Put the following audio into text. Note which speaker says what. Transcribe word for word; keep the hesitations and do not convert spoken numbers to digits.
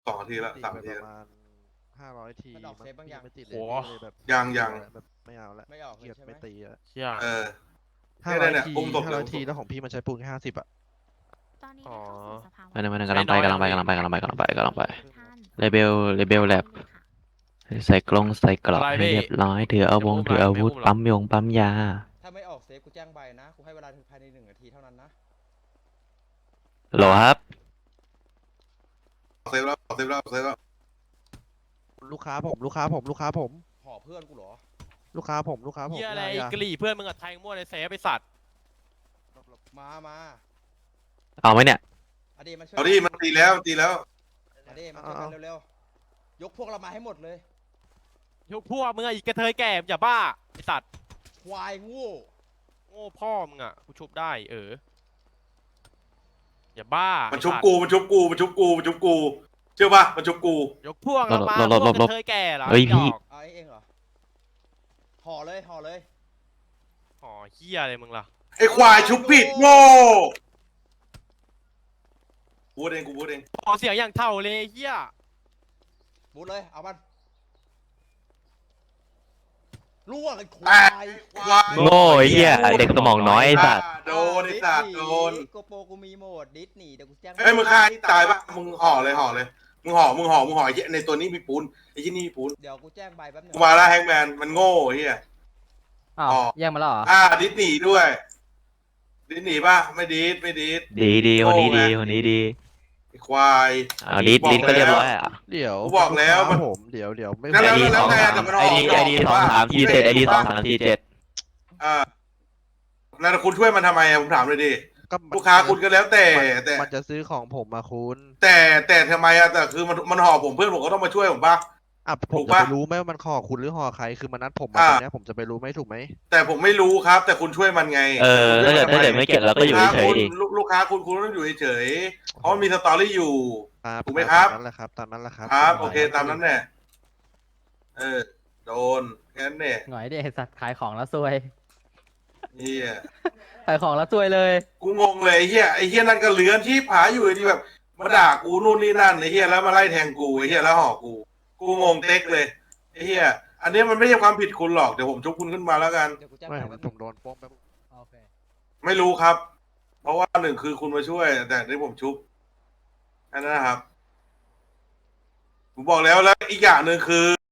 Speaker 1: สองนาทีละสามนาที
Speaker 2: ประมาณห้าร้อยที
Speaker 3: มันออกเซฟบางอย่าง
Speaker 2: ไม่ติดเลย
Speaker 4: โห
Speaker 2: เลยแบบ
Speaker 1: ยังยัง
Speaker 2: แบบไม่เอาละ
Speaker 3: ไม่ออกเล
Speaker 2: เกี
Speaker 3: ย
Speaker 2: ยด
Speaker 3: ใช่ไหม
Speaker 2: ไม่ตีอะ
Speaker 4: เชี่ย
Speaker 1: เออ
Speaker 2: ห้าร้อย
Speaker 1: เนี่ย
Speaker 2: ที
Speaker 1: อุ้มศพ
Speaker 2: ห้า
Speaker 1: เลย
Speaker 2: ร้อย
Speaker 1: อุ้มศพ
Speaker 2: ทีแล้วของพี่มันใช้ปูนแค่ห้าสิบอะ
Speaker 5: ตอนนี้ได้เข้าสู่สภาวะ
Speaker 6: ไม่ได้ไม่ได้กำลังไปกำลังไปกำลังไปกำลังไปกำลังไปกำลังไป
Speaker 5: ท่าน
Speaker 6: เลเบลเลเบลแลบใส่กลงใส่กรอบ
Speaker 4: อะไร
Speaker 6: ให้
Speaker 4: พี่
Speaker 6: เรียบร้อยถืออาวุธ
Speaker 4: จะ
Speaker 6: ถืออาวุธ
Speaker 4: ไม่อุ้มหรอ
Speaker 6: ปั๊มยงปั๊มยา
Speaker 3: ถ้าไม่ออกเซฟกูแจ้งใบนะกูให้เวลาภายในหนึ่งนาทีเท่านั้นนะ
Speaker 6: โหลครับ
Speaker 1: เซฟแล้วเซฟแล้วเซฟแล้ว
Speaker 2: ลูกค้าผมลูกค้าผมลูกค้าผม
Speaker 3: ห่อเพื่อนกูเหรอ
Speaker 2: ลูกค้าผมลูกค้าผม
Speaker 4: เหี้ยอะไร
Speaker 2: อย่า
Speaker 4: กะหรี่เพื่อนมึงอะแทงมั่วในเซฟไอสัตว์
Speaker 3: มามา
Speaker 6: เอาไหมเนี่ย
Speaker 3: อดีตมาช่วย
Speaker 1: เอาดิมันตีแล้วมันตีแล้ว
Speaker 3: อดีตมาช่วยกันเร็วๆยกพวกเรามาให้หมดเลย
Speaker 4: ยกพวกมึงอะอีกกระเทยแก่มึงอย่าบ้าไอสัตว์
Speaker 3: ควายโงู
Speaker 4: โง่พ่อมึงอะกูชุบได้เอออย่าบ้า
Speaker 1: มัน
Speaker 4: ไอ้
Speaker 1: ชุบ
Speaker 4: สัตว์
Speaker 1: กูมันชุบกูมันชุบกูมันชุบกูเชื่อป่ะมันชุบกู
Speaker 4: ยกพวกเรามา
Speaker 6: หลบหลบ
Speaker 4: พวก
Speaker 6: หลบ
Speaker 4: กระเทยแก่เหรอ
Speaker 6: เฮ้ยพี่
Speaker 4: ดอก
Speaker 3: เอาไอ้เองเหรอห่อเลยห่อเลย
Speaker 4: อ๋อเหี้ยอะไรมึงล่ะ
Speaker 1: ไอ้ควายชุบผิดโง่พูดเองกูพูดเอง
Speaker 4: ขอเสียงอย่างเท่าเลยเหี้ย
Speaker 3: บูดเลยเอามันล่วงไอ้คว
Speaker 1: อ่ะ
Speaker 3: าย
Speaker 1: ควาย
Speaker 6: โง่ไอ้เหี้ยเด็กสมองน้อยไอ้สัตว์
Speaker 1: โดนไอ้สัตว์โดน
Speaker 3: โกโปกูมีโหมดดิสนีย์เดี๋ยวกูแจ้ง
Speaker 1: เอ้ยมึงฆ่าที่ตายปะมึงห่อเลยห่อเลยมึงห่อมึงห่อมึงห่อไอ้เหี้ยในตัวนี้มีปูนไอ้ที่นี่มีปูน
Speaker 3: เดี๋ยวกูแจ้งใบแป๊บนึง
Speaker 1: กูมาแล้วแฮงแมนมันโง่ไอ้เฮีย
Speaker 7: อ้าว
Speaker 1: อ๋อ
Speaker 7: แยกมาแล้วเหรอ
Speaker 1: อ่าดิสนีย์ด้วยดิสนีย์ป่ะไม่ดีดไม่ดีด
Speaker 6: ดีดีคนนี้ดีคนนี้ดี
Speaker 1: ไอ้ควาย
Speaker 6: เอาลิสลิสก็เรียบร้อยอ่ะ
Speaker 2: เดี๋ยว
Speaker 1: กูบอกแล้ว
Speaker 2: ลู
Speaker 1: มัน
Speaker 2: ค้าผมเดี๋ยวเดี๋ยวไม่
Speaker 1: แล้ว
Speaker 6: ไอ
Speaker 1: แล้ว
Speaker 6: ดี
Speaker 1: แล้
Speaker 6: ส
Speaker 1: ว
Speaker 6: อง
Speaker 1: ไง
Speaker 6: สาม
Speaker 1: แต่มัน
Speaker 6: ไอดีไอดีสองสามทีเจ็ดไอดีสองสามทีเจ็ด
Speaker 1: อ่าแล้วคุณช่วยมันทำไมอะผมถามเลยดิ
Speaker 2: ก็
Speaker 1: ลูกค้าคุณก็แล้วแต่
Speaker 2: มัน
Speaker 1: แต่
Speaker 2: มันจะซื้อของผมมาคุณ
Speaker 1: แต่แต่ทำไมอะแต่คือมันมันห่อผมเพื่อนผมก็ต้องมาช่วยผมป่ะ
Speaker 2: อ่ะผ
Speaker 1: ถู
Speaker 2: ม
Speaker 1: ก
Speaker 2: จะ
Speaker 1: ปะ
Speaker 2: ไปรู้ไหมว่ามันห่อคุณหรือห่อใครคือมันนัดผมมา
Speaker 1: อ่า
Speaker 2: ตอนเนี้ยผมจะไปรู้ไหมถูกไหม
Speaker 1: แต่ผมไม่รู้ครับ แต่คุณช่วยมันไง
Speaker 6: เออถ้าเกิดถ้าเกิดไม่เก็บเราก็อยู่เฉยๆดิ
Speaker 1: ลูกลูกค้าคุณคุณต้องอยู่เฉยๆเพราะมันมีสตอรี่อยู่
Speaker 2: ครับ
Speaker 1: ถูกไหมครับ
Speaker 2: ตามนั้นแหละครับตามนั้นแหละครับ
Speaker 1: ครับโอเคตามนั้นแหละเออโดนแค่นั้นเนี่ย
Speaker 7: หน่อยดิไอ้สัตว์ขายของแล้วซวย
Speaker 1: เฮีย
Speaker 7: ขายของแล้วซวยเลย
Speaker 1: กูงงเลยไอ้เฮียไอ้เฮียนั่นก็เลือนที่ผาอยู่ดีแบบมาด่ากูนู่นนี่นั่นไอ้เฮียแล้วมาไล่แทงกูไอ้เฮียแล้วห่อกู กูงงเต็กเลยไอ้เฮียอันนี้มันไม่ใช่ความผิดคุณหรอกเดี๋ยวผมชุบคุณขึ้นมาแล้วกัน
Speaker 3: เดี๋ยวกูแจ้ง
Speaker 2: ไม่
Speaker 3: ใบ
Speaker 2: ผม
Speaker 3: แป๊บ
Speaker 2: ผ
Speaker 3: นึง
Speaker 2: มโดนโป้งไป
Speaker 7: โอเค
Speaker 1: ไม่รู้ครับ เพราะว่าหนึ่งคือคุณมาช่วย แต่ที่ผมชุบอันนั้นนะครับผมบอกแล้วแล้วอีกอย่างหนึ่งคือ